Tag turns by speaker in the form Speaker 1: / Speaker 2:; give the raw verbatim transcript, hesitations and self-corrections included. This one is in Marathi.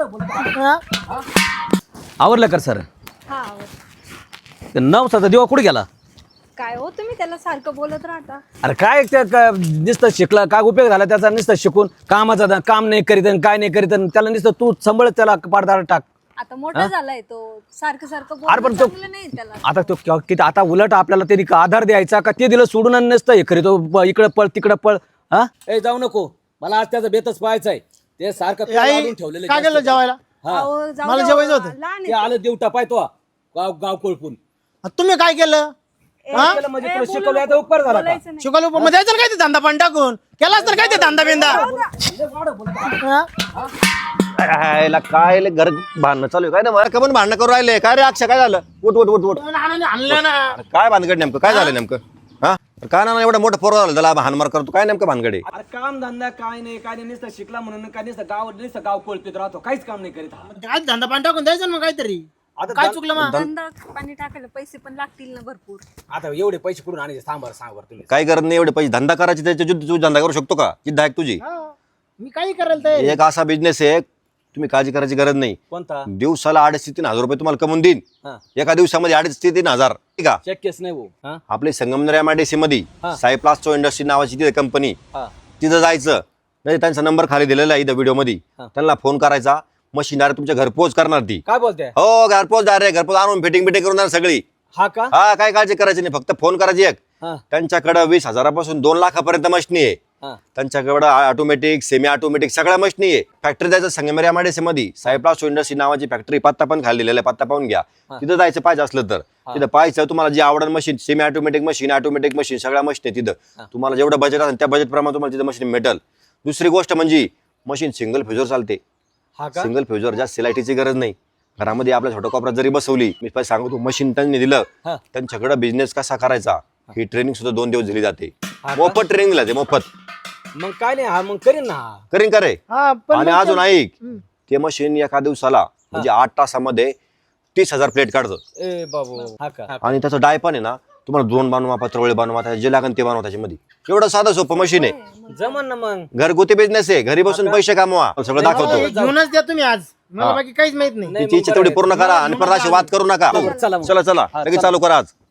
Speaker 1: आवरलं कर सर.
Speaker 2: हा
Speaker 1: नवसाचा दिवा कुठे गेला?
Speaker 2: काय हो तुम्ही त्याला सारखं बोलत राहता.
Speaker 1: अरे काय त्या नुसतं शिकला काय उपयोग झाला त्याचा? नुसतं शिकून कामाचा काम नाही करीत आणि काय नाही करीत आणि त्याला नुसतं तू सांभाळत त्याला पाडदार टाक.
Speaker 2: आता मोठा झालाय तो, सारखं सारखं
Speaker 1: अरे पण
Speaker 2: बोलणं
Speaker 1: तो
Speaker 2: चांगलं नाही त्याला.
Speaker 1: आता तो क- किती आता उलट आपल्याला तरी आधार द्यायचा का ते दिलं सोडून आणि नसतं हे करीतो इकडे पळ तिकडे पळ. हा ए जाऊ नको, मला आज त्याचा बेतच पाहायचाय. ते सारखं तोंड
Speaker 3: आई,
Speaker 1: वाढून ठेवलेलं
Speaker 3: काय
Speaker 1: जास्त.
Speaker 3: केलं जेवायला?
Speaker 1: हा.
Speaker 2: अहो, जाऊ
Speaker 3: मला
Speaker 2: द्या,
Speaker 3: जेवायचं होतं.
Speaker 2: लहान
Speaker 1: ते
Speaker 2: आहे.
Speaker 1: आलं देवटा पाहतो गाव गाव कोळपून.
Speaker 3: तुम्ही काय केलं?
Speaker 1: काय केलं म्हणजे तुला शिकवलं आता उपकार झाला का?
Speaker 2: बोलायचं नाही.
Speaker 3: शिकवलं मग द्यायचं काय ते धंदा पण टाकून केलास तर काय ते धंदा बिंदा
Speaker 4: यायला काय लय घर भांडणं चालू आहे काय ना मला का पण भांडणं करू राहिले काय रे अक्षय काय झालं? उठ उठ उठ उठ
Speaker 3: आणलं ना.
Speaker 4: अरे काय भानगड नेमकं काय झालं नेमकं? हा अरे काय ना एवढं मोठं पोरं झालं त्याला हानमार करतो काय नेमकं भानगड आहे?
Speaker 1: अरे काम धंदा काय नाही काय नाही नुसतं शिकला म्हणून काय नुसतं गाव नुसतं गाव कोळपीत राहतो, काहीच काम नाही करीत हा.
Speaker 3: काय धंदा पण टाकून द्यायचं ना मग काहीतरी.
Speaker 1: आता
Speaker 3: काय
Speaker 1: धं-
Speaker 3: चुकलं मग?
Speaker 2: धंदा पाणी टाकायला पैसे पण लागतील ना भरपूर.
Speaker 1: आता एवढे पैसे कुठून आणायचे सांग बरं सांग बरं तुम्ही.
Speaker 4: काय करत नाही एवढे पैसे धंदा करायचे त्याच्या तू तू धंदा करू शकतो का? जिद्द आहे का तुझी?
Speaker 3: हा, मी काही करायला तयार आहे.
Speaker 4: एक असा बिझनेस आहे तुम्ही काळजी करायची गरज नाही.
Speaker 1: कोणता?
Speaker 4: दिवसाला अडीच ते तीन हजार रुपये तुम्हाला कमवून देईन.
Speaker 1: हा.
Speaker 4: एका दिवसामध्ये अडीच ते तीन हजार ठीक आहे.
Speaker 1: शक्यच नाही भाऊ. हा?
Speaker 4: आपले संगमनेर एमआयडीसी मध्ये
Speaker 1: हा.
Speaker 4: साई प्लास्टो इंडस्ट्री नावाची तिथे कंपनी
Speaker 1: हा.
Speaker 4: तिथं जायचं नाही त्यांचा नंबर खाली दिलेला आहे इथं व्हिडिओ मध्ये.
Speaker 1: हा.
Speaker 4: त्यांना फोन करायचा मशीन डायरेक्ट तुमच्या घरपोच करणार ती.
Speaker 1: काय बोलते?
Speaker 4: हो घरपोच डायरेक्ट घरपोच आणून फिटिंग बिटिंग करून देणार सगळी.
Speaker 1: हा का?
Speaker 4: हा काय काळजी करायची नाही फक्त फोन करायची एक.
Speaker 1: हा.
Speaker 4: त्यांच्याकडे वीस हजारापासून दोन लाखापर्यंत मशीनी आहे.
Speaker 1: हा.
Speaker 4: त्यांच्याकडे ऑटोमॅटिक सेमी ऑटोमॅटिक सगळ्या मशीनी आहे. फॅक्टरी जायचं संगमेर एमआयडीसी मध्ये साई प्लास्टो इंडस्ट्री नावाची फॅक्टरी पत्ता पण खाली दिलेला आहे पत्ता पाहून घ्या. तिथं जायचं पाहिजे असलं तर तिथं पाहायचं तुम्हाला जी आवडण machine semi automatic machine automatic machine सगळ्या मशीन आहे तिथं. तुम्हाला जेवढं बजेट असेल त्या बजेट प्रमाणे तुम्हाला तिथं मशीन भेटेल. दुसरी गोष्ट म्हणजे मशीन सिंगल फ्युजर चालते.
Speaker 1: हा का?
Speaker 4: सिंगल फ्युजर जास्त सिलायटीची गरज नाही. घरामध्ये आपल्या छोट्या कोपऱ्यात जरी बसवली मी पहिले सांगतो मशीन त्यांनी दिलं
Speaker 1: हा.
Speaker 4: त्यांच्याकडे बिझनेस कसा करायचा ही ट्रेनिंग सुद्धा दोन दिवस दिली जाते.
Speaker 1: हा का?
Speaker 4: मोफत ट्रेनिंग दिला ते मोफत.
Speaker 1: मग काय नाही हा मग करीन ना हा.
Speaker 4: करीन करे
Speaker 3: हा, पण
Speaker 4: आणि
Speaker 3: मग
Speaker 4: अजून
Speaker 3: ते-
Speaker 4: ऐक ते मशीन एका दिवसाला म्हणजे आठ तासामध्ये तीस हजार प्लेट काढतं.
Speaker 1: ए बाबू हा का?
Speaker 4: आणि त्याचं डाय पण आहे ना तुम्हाला ड्रोन बनवा पत्रवळे बनवा त्याचे जे लागेल ते बनवा त्याच्यामध्ये. एवढं साधं सोपं मशीन आहे.
Speaker 1: जमन ना मग.
Speaker 4: घरगुती बिझनेस आहे घरी बसून पैसे कमवा सगळं दाखवतो.
Speaker 3: हे घेऊनच द्या तुम्ही आज मला
Speaker 4: हा.
Speaker 3: बाकी काहीच माहित नाही.
Speaker 1: नाही,
Speaker 4: तिची
Speaker 1: मग
Speaker 4: इच्छा तेवढी
Speaker 1: बरं
Speaker 4: पूर्ण करा आणि परत अशी वाद करू नका.
Speaker 1: बरं, चला मग.
Speaker 4: चला चला
Speaker 1: हा,
Speaker 4: लगेच
Speaker 1: चला.
Speaker 4: चालू करा आज.